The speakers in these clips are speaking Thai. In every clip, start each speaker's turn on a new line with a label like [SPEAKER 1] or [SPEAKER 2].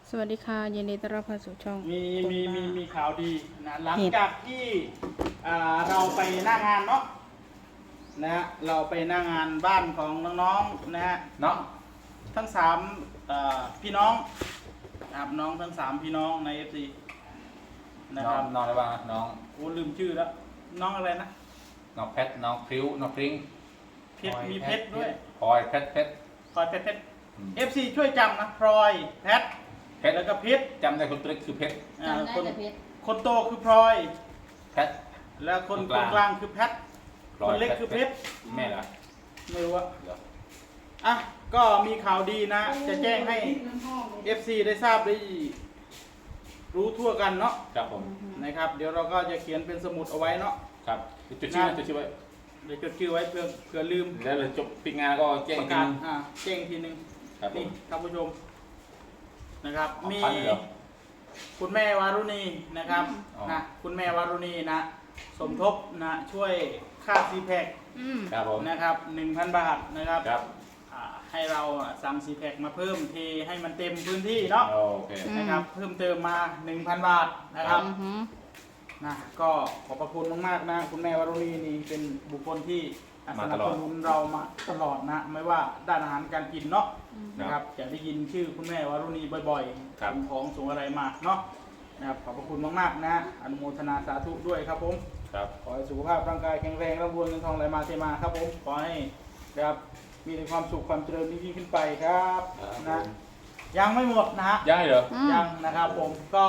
[SPEAKER 1] สวัสดีค่ะยินดีต้อนรับเข้าสู่ช่อง
[SPEAKER 2] มีข่าวดีนะหลังจากที่เราไปหน้างานเนาะนะฮะเราไปหน้างานบ้านของน้องๆนะฮะน้องทั้ง3พี่น้องนะครับน้องทั้ง3พี่น้องใน FC นะครับ
[SPEAKER 3] น้องอะไรบ้างน้อง
[SPEAKER 2] โอ้ลืมชื่อแล้วน้องอะไรนะ
[SPEAKER 3] น้องเพชรน้องพริ้วน้องพริ้ง
[SPEAKER 2] เพชรมีเพชรด้วย
[SPEAKER 3] พลอยเพชร
[SPEAKER 2] พลอยเพชร FC ช่วยจำนะพลอยเพชรแล้วก็เพชร
[SPEAKER 3] จำได้คนตัวเล็กคือเพชร
[SPEAKER 2] คนโตคือพลอย
[SPEAKER 3] เพชร
[SPEAKER 2] แล้วคนกลางคือแพทคนเล็กคือเพชร
[SPEAKER 3] แม่เหรอ
[SPEAKER 2] ไม่รู้อะอ่ะก็มีข่าวดีนะจะแจ้งให้ FC ได้ทราบได้รู้ทั่วกันเนาะ
[SPEAKER 3] ครับผม
[SPEAKER 2] นะครับเดี๋ยวเราก็จะเขียนเป็นสมุดเอาไว้เนาะ
[SPEAKER 3] ครับจดชื่อไว้
[SPEAKER 2] เดี๋ยวจดชื่อไว้เผื่อลืม
[SPEAKER 3] แล้วจบปิดงานก็แจ้ง
[SPEAKER 2] ประกาศแจ้งทีนึงนี่ท่านผู้ชมนะครับมีคุณแม่วารุณีนะครับนะคุณแม่วารุณีนะสมทบนะช่วยค่าซีแพคนะครับ 1,000 บาทนะครับให้เราสั่งซีแพคมาเพิ่มเทให้มันเต็มพื้นที่เนาะนะครับเพิ่มเติมมา 1,000 บาทนะครับนะก็ขอบพระคุณมากๆนะคุณแม่วารุณีนี่เป็นบุคคลที่สนับสนุนเรามาตลอดนะไม่ว่าด้านอาหารการกินเนาะนะครับจะได้ยินชื่อคุณแม่วารุณีบ่อยๆของส่งอะไรมาเนาะนะครับขอบพระคุณมากๆนะอนุโมทนาสาธุด้วยครับผมขอให้สุขภาพร่างกายแข็งแรงร่ำรวยเงินทองไหลมาเทมาครับผมขอให้นะครับมีแต่ความสุขความเจริญยิ่งขึ้นไปครับนะยังไม่หมดนะฮะ
[SPEAKER 3] ยังเหรอ
[SPEAKER 2] ยังนะครับผมก็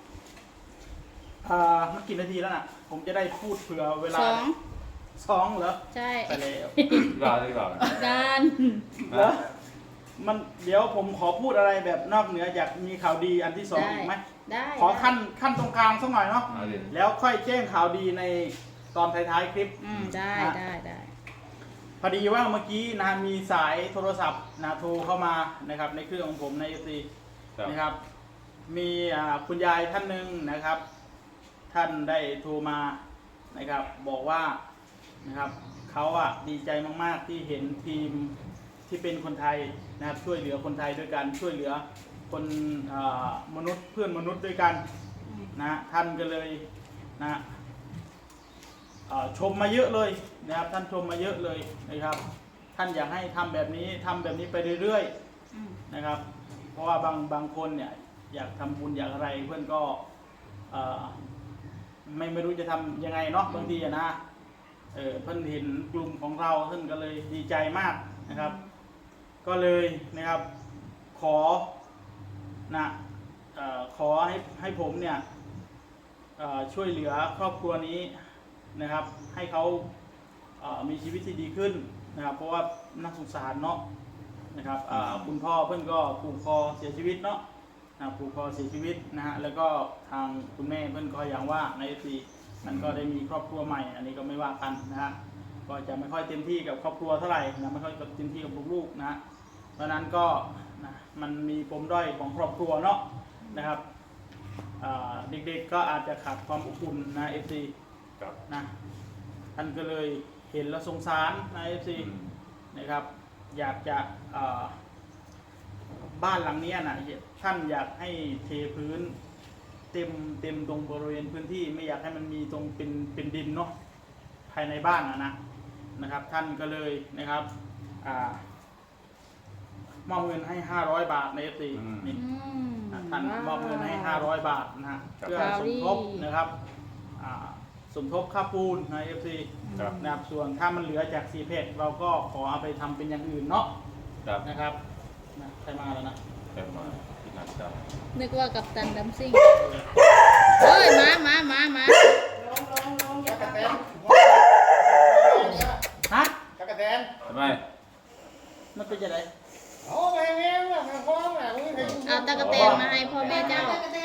[SPEAKER 2] มันกี่นาทีแล้วน่ะผมจะได้พูดเผื่อเวลา2เหรอ
[SPEAKER 1] ใช่
[SPEAKER 2] ไปแล้ว
[SPEAKER 3] รอดีกว่า
[SPEAKER 1] การ
[SPEAKER 2] เหรอมันเดี๋ยวผมขอพูดอะไรแบบนอกเหนือจากมีข่าวดีอันที่2อีกไหม
[SPEAKER 1] ได้
[SPEAKER 2] ขอขั้นตรงกลางสักหน่อยเนาะแล้วค่อยแจ้งข่าวดีในตอนท้ายๆคลิป
[SPEAKER 1] ได้
[SPEAKER 2] พอดีว่าเมื่อกี้นะมีสายโทรศัพท์นะโทรเข้ามานะครับในเครื่องของผมใน FC นะครับมีคุณยายท่านหนึ่งนะครับท่านได้โทรมานะครับบอกว่านะครับเขาดีใจมากๆที่เห็นทีมที่เป็นคนไทยนะครับช่วยเหลือคนไทยด้วยกันช่วยเหลือคนมนุษย์เพื่อนมนุษย์ด้วยกันนะท่านก็เลยนะชมมาเยอะเลยนะครับท่านชมมาเยอะเลยนะครับท่านอยากให้ทำแบบนี้ไปเรื่อยๆนะครับเพราะว่าบางคนเนี่ยอยากทำบุญอยากอะไรเพื่อนก็ไม่รู้จะทำยังไงเนาะบางทีนะเพื่อนเห็นกลุ่มของเราท่านก็เลยดีใจมากนะครับก็เลยนะครับขอให้ผมเนี่ยช่วยเหลือครอบครัวนี้นะครับให้เขามีชีวิตที่ดีขึ้นนะครับเพราะว่านักสงสารเนาะนะครับคุณพ่อเพื่อนก็ผูกคอเสียชีวิตเนาะผูกคอเสียชีวิตนะฮะแล้วก็ทางคุณแม่เพื่อนก็อย่างว่าในปีมันก็ได้มีครอบครัวใหม่อันนี้ก็ไม่ว่ากันนะฮะก็จะไม่ค่อยเต็มที่กับครอบครัวเท่าไหร่นะไม่ค่อยเต็มที่กับลูกๆนะเพราะนั้นก็มันมีปมด้อยของครอบครัวเนาะนะครับเด็กๆก็อาจจะขาดความอบอุ่นนะ FC นะท่านก็เลยเห็นแล้วสงสารนะ FC นะครับอยากจะบ้านหลังนี้นะท่านอยากให้เทพื้นเต็มตรงบริเวณพื้นที่ไม่อยากให้มันมีตรงเป็นดินเนาะภายในบ้านนะครับท่านก็เลยนะครับมอบเงินให้500 บาทใน FC นี่ท่านมอบเงินให้500 บาทนะฮะเพื่อสมทบนะครับสมทบค่าปูนใน FC นะครับส่วนถ้ามันเหลือจากซีเพจเราก็ขอเอาไปทำเป็นอย่างอื่นเนาะนะครับใครมาแล้วนะ
[SPEAKER 1] นึกว่ากัปตันดัมซิ่งเฮ้ยมา
[SPEAKER 2] ลงจักรแตนฮะจักรแตน
[SPEAKER 3] ทำไม
[SPEAKER 2] มันเป็นยังไง
[SPEAKER 1] เอาตะกะแตนมาให้พ่อแม่เจ้า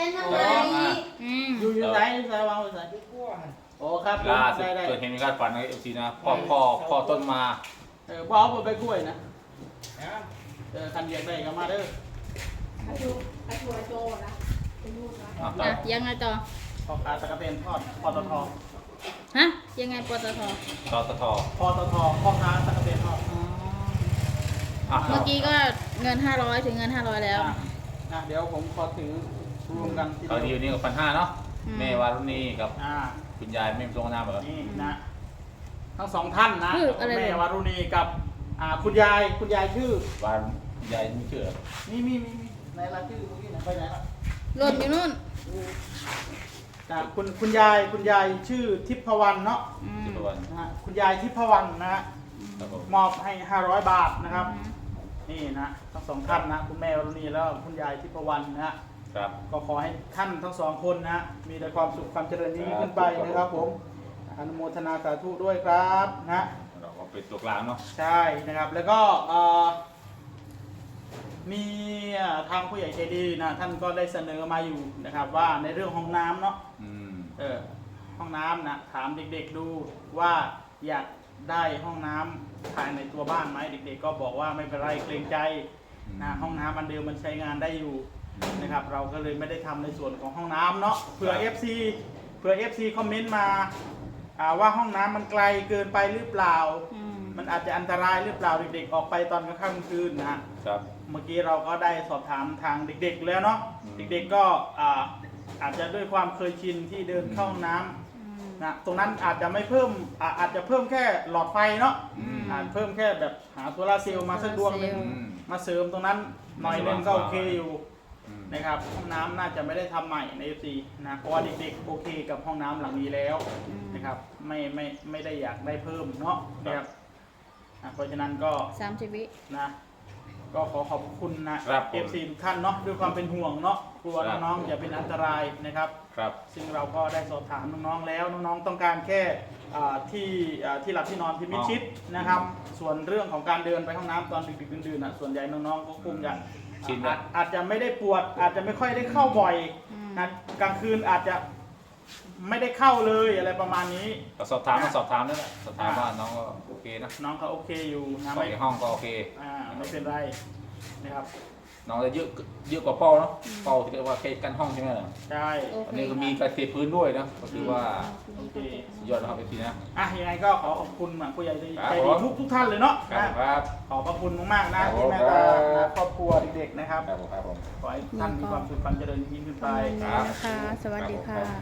[SPEAKER 2] อยู่ไหนวางไว้ไหนโอ้ครับ
[SPEAKER 3] ล่าสุดเกิดเหตุการณ์ฝันในFC นะพ่อต้นมา
[SPEAKER 2] บอกผมไปกล้วยนะคันเรียกได้ก็มาเด้อ
[SPEAKER 1] ยังไงต่อ
[SPEAKER 2] พ่อค้าตะกะเตนทอดปตท.
[SPEAKER 1] ฮะยังไงปตท.
[SPEAKER 3] พ่อ
[SPEAKER 2] ค้าตะกะเตนทอด
[SPEAKER 1] เมื่อกี้ก็เงิน500ถึงเงิน500แล้ว
[SPEAKER 2] เดี๋ยวผมขอถือรวมกันที
[SPEAKER 3] เขา
[SPEAKER 2] เดี
[SPEAKER 3] ดี
[SPEAKER 2] ยว
[SPEAKER 3] นี่กับ1,500เนาะแม่วารุณีกับ
[SPEAKER 2] อ่า
[SPEAKER 3] คุณยายไม่ตรงน้ำเหรอ
[SPEAKER 2] นี่นะทั้งสองท่านนะ
[SPEAKER 1] คืออะไร
[SPEAKER 2] แม่วารุณีกับคุณยายชื่อ
[SPEAKER 3] วารุยายไม่เชื่อ
[SPEAKER 2] มีในรายชื่อเมื่อกี้นะไปไหนละ
[SPEAKER 1] หล่นอยู่นู่น
[SPEAKER 2] คุณยายชื่อทิพวรรณเนาะ
[SPEAKER 3] ที่ประวัน
[SPEAKER 2] นะฮะคุณยายทิพวรรณนะฮะ
[SPEAKER 3] ครับผม
[SPEAKER 2] มอบให้500 บาทนะครับ นี่นะทั้งสองท่านนะคุณแม่วรุณีแล้วก็คุณยายทิพวรรณนะฮะ
[SPEAKER 3] ครับ
[SPEAKER 2] ก็ขอให้ท่านทั้งสองคนนะฮะมีแต่ความสุขความเจริญยิ่งขึ้นไปนะครับผมอนุโมทนาสาธุด้วยครับนะ
[SPEAKER 3] เราก็เป็นตัวกลางเนาะ
[SPEAKER 2] ใช่นะครับแล้วก็มีทางผู้ใหญ่ใจดีนะท่านก็ได้เสนอมาอยู่นะครับว่าในเรื่องห้องน้ำเนาะ
[SPEAKER 3] อืม
[SPEAKER 2] ห้องน้ำนะถามเด็กๆดูว่าอยากได้ห้องน้ำภายในตัวบ้านไหมเด็กๆก็บอกว่าไม่เป็นไรเกรงใจนะห้องน้ำอันเดิมมันใช้งานได้อยู่นะครับเราก็เลยไม่ได้ทำในส่วนของห้องน้ำเนาะเผื่อ FC คอมเมนต์มาว่าห้องน้ำมันไกลเกินไปหรือเปล่า มันอาจจะอันตรายหรือเปล่าเด็กๆออกไปตอนกลางค่ำกลางคืนนะฮะ
[SPEAKER 3] ครับ
[SPEAKER 2] เมื่อกี้เราก็ได้สอบถามทางเด็กๆแล้วเนาะ เด็กๆก็อาจจะด้วยความเคยชินที่เดินเข้าห้องน้ำนะตรงนั้นอาจจะไม่เพิ่มอาจจะเพิ่มแค่หลอดไฟเนาะอาจเพิ่มแค่แบบหาโซลาร์เซลล์มาสักดวงหนึงมาเสริมตรงนั้นหน่อยนึงก็โอเคอยู่นะครับห้องน้ำน่าจะไม่ได้ทำใหม่ใน FC นะเพราะว่าเด็กๆโอเคกับห้องน้ำหลังนี้แล้วนะครับไม่ได้อยากได้เพิ่มเนาะนะครับเพราะฉะนั้นก็
[SPEAKER 1] 30 วิ
[SPEAKER 2] นะก็ขอขอบคุณนะครับ FC ทุกท่านเนาะด้วยความเป็นห่วงเนาะกลัวน้องๆอย่าเป็นอันตรายนะครับ
[SPEAKER 3] ครับ
[SPEAKER 2] ซึ่งเราก็ได้สอบถามน้องๆแล้วน้องๆต้องการแค่ที่หลับที่นอนที่มิดชิดนะครับ ส่วนเรื่องของการเดินไปห้องน้ำตอนดึกๆดื่นๆส่วนใหญ่น้องๆก็คงจะอาจจะไม่ได้ปวดอาจจะไม่ค่อยได้เข้าบ่อยนะกลางคืนอาจจะไม่ได้เข้าเลยอะไรประมาณนี้
[SPEAKER 3] ก็สอบถามนั่นแหละสอบถามว่าน้องก็โอเคนะ
[SPEAKER 2] น้องเขาโอเคอยู่นะ
[SPEAKER 3] ในห้องก็โอเค
[SPEAKER 2] ไม่เป็นไรนะครับ
[SPEAKER 3] น้องจะเยอะกว่าเป้าเนาะเป้าที่เรียกว่าเคสกันห้องใช่ไหมล่ะ
[SPEAKER 2] ใช่
[SPEAKER 3] อันนี้ก็มีการเทพื้นด้วยนะก็คือว่า
[SPEAKER 2] โอเค
[SPEAKER 3] สุดยอดนะครับพี่นะ
[SPEAKER 2] ยังไงก็ขอขอบคุณผู้ใหญ่ใจ
[SPEAKER 3] ครับ
[SPEAKER 2] ดีทุกท่านเลยเนาะ
[SPEAKER 3] ครับ
[SPEAKER 2] ขอบพระคุณมากๆนะที่แม่ตาครอบครัวเด็กๆนะครับ
[SPEAKER 3] ครับผม
[SPEAKER 2] ขอให้ท่านมีความสุขความเจริญยิ่งขึ้นไป
[SPEAKER 1] ประมาณนี้นะคะ สวัสดีค่ะ